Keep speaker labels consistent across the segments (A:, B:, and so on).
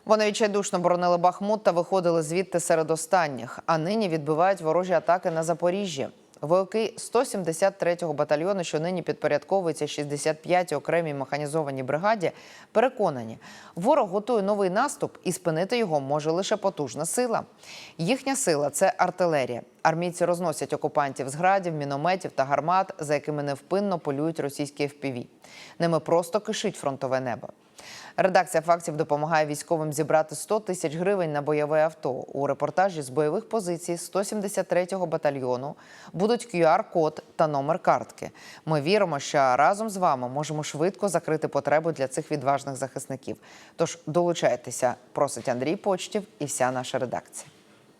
A: Вони відчайдушно боронили Бахмут та виходили звідти серед останніх, а нині відбивають ворожі атаки на Запоріжжі. Вояки 173-го батальйону, що нині підпорядковується 65-й окремій механізованій бригаді, переконані, ворог готує новий наступ і спинити його може лише потужна сила. Їхня сила – це артилерія. Армійці розносять окупантів з градів, мінометів та гармат, за якими невпинно полюють російські FPV. Ними просто кишить фронтове небо. Редакція «Фактів» допомагає військовим зібрати 100 тисяч гривень на бойове авто. У репортажі з бойових позицій 173-го батальйону будуть QR-код та номер картки. Ми віримо, що разом з вами можемо швидко закрити потребу для цих відважних захисників. Тож долучайтеся, просить Андрій Почтів і вся наша редакція.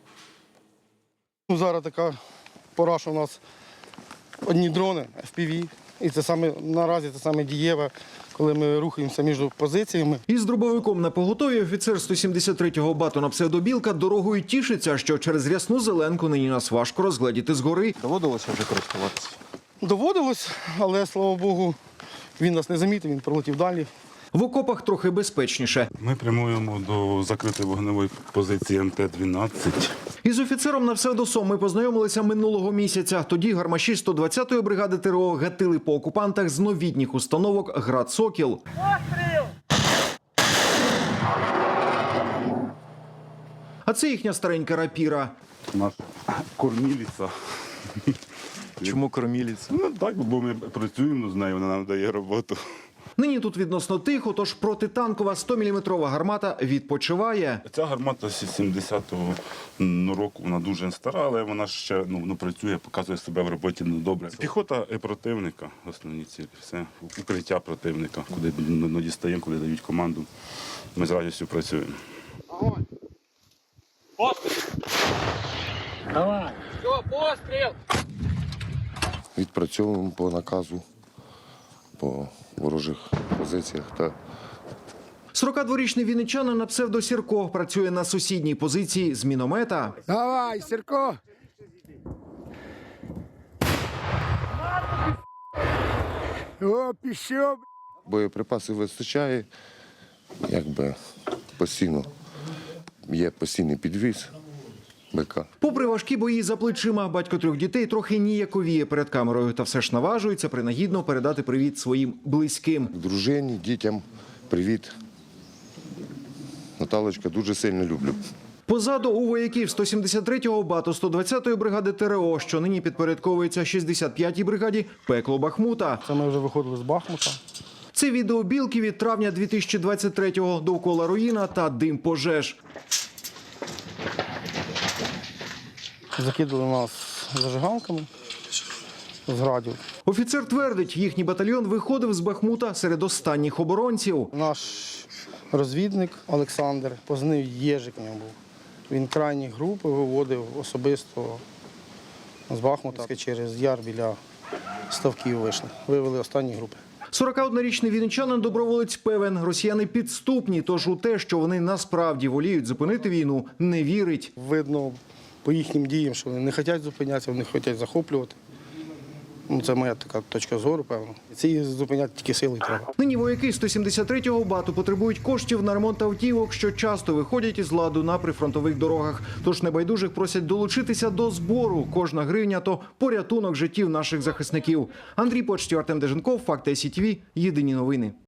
B: Зараз така пора, що у нас одні дрони, FPV, і це наразі це саме дієве, коли ми рухаємося між позиціями.
C: Із дробовиком на поготові офіцер 173-го бату на псевдобілка дорогою тішиться, що через рясну зеленку нині нас важко розгледіти згори.
D: Доводилося вже користуватися?
B: Доводилось, але, слава Богу, він нас не замітив, він пролетів далі.
C: В окопах трохи безпечніше.
E: Ми прямуємо до закритої вогневої позиції МТ-12.
C: Із офіцером на псевдосом ми познайомилися минулого місяця. Тоді гармаші 120-ї бригади ТРО гатили по окупантах з новітніх установок «Град Сокіл». А це їхня старенька рапіра.
E: Наша кормілиця.
D: Чому корміліць?
E: Ну так, бо ми працюємо з нею, вона нам дає роботу.
C: Нині тут відносно тихо, тож протитанкова 100-мм гармата відпочиває.
E: Ця гармата з 70-го року, вона дуже стара, але вона ще працює, показує себе в роботі добре. Піхота противника, основні цілі, все. Укриття противника, куди дістаємо, коли дають команду. Ми з радістю працюємо.
F: Огонь! Постріл! Давай! Все, постріл!
G: Відпрацьовуємо по наказу, по ворожих позиціях.
C: 42-річний вінничанин на псевдо Сірко працює на сусідній позиції з міномета.
F: Давай, Сірко! О, пішов!
G: Боєприпасів вистачає, постійно є постійний підвіз БК.
C: Попри важкі бої за плечима, батько 3 дітей трохи ніяковіє перед камерою, та все ж наважується принагідно передати привіт своїм близьким.
G: Дружині, дітям привіт. Наталочка, дуже сильно люблю.
C: Позаду у вояків 173-го бату 120-ї бригади ТРО, що нині підпорядковується 65-й бригаді, пекло Бахмута.
B: Це ми вже виходили з Бахмута.
C: Це відео білки від травня 2023-го. Довкола руїна та дим пожеж.
B: Закидали нас зажигалками з градів.
C: Офіцер твердить, їхній батальйон виходив з Бахмута серед останніх оборонців.
B: Наш розвідник Олександр, позивний Єжик в нього був. Він крайні групи виводив особисто з Бахмута. Через яр біля ставків вийшли. Вивели останні групи.
C: 41-річний вінничанин доброволець певен, росіяни підступні, тож у те, що вони насправді воліють зупинити війну, не вірить.
B: Видно по їхнім діям, що вони не хочуть зупинятися, вони хочуть захоплювати. Це моя така точка зору, певно. Ці зупиняти тільки силою треба.
C: Нині вояки 173-го бату потребують коштів на ремонт автівок, що часто виходять із ладу на прифронтових дорогах. Тож небайдужих просять долучитися до збору. Кожна гривня – то порятунок життів наших захисників. Андрій Почтів, Артем Деженков, Факти СІТВ, єдині новини.